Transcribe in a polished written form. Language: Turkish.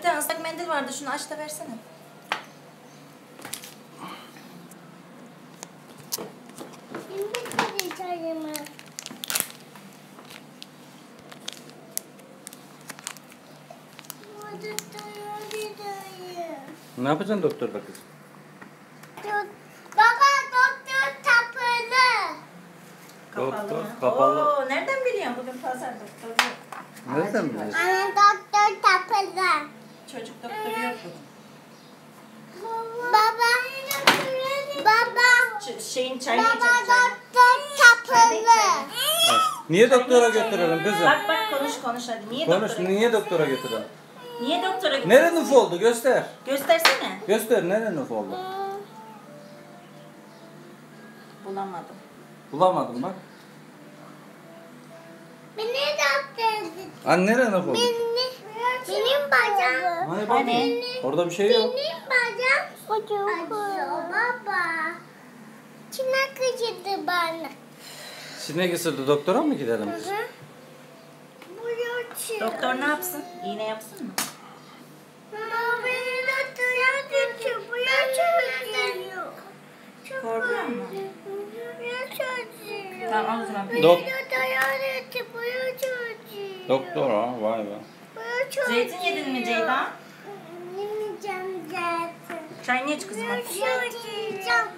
bir tane ıslak mendil vardı. Şunu aç da versene. Ne yapacaksın doktor bakız? Baba doktor kapalı. Kapalı mı? Kapalı. Oo, nereden biliyorsun? Bugün pazar doktoru. Nereden biliyorsun? Anne doktor kapalı. Çocuk doktoru yok bugün. Baba. Şeyin çayını Baba içecek çayını. doktor kapalı. Niye doktora götürelim kızım? Bak konuş hadi. Niye Konuş, doktora niye doktora götürelim? Niye doktora götürelim? Nere nüf oldu? Göster. Göstersene. Göster, nere nüf oldu? Bulamadım. Bulamadım bak. Beni doktor. Anne nere nüf oldu? Benim bacağım. Hani bak. Hani? Orada bir şey yok. Benim bacağım acıyor baba. Çinek acıdı bana. Sinek ısırdı, doktora mı gidelim biz? Doktor ne yapsın? İğne yapsın mı? Baba beni doktora götür. Bu yaş acıyor. Korkuyor mu? Yaş acıyor. Tamam o zaman. Beni Dok- doktora götür. Bu yaş acıyor. Doktora, vay be. Bu yaş acıyor. Zeytin yedin mi Ceyda? Yemeyeceğim zaten. Çayını iç kızım hadi. Yaş acıyacağım.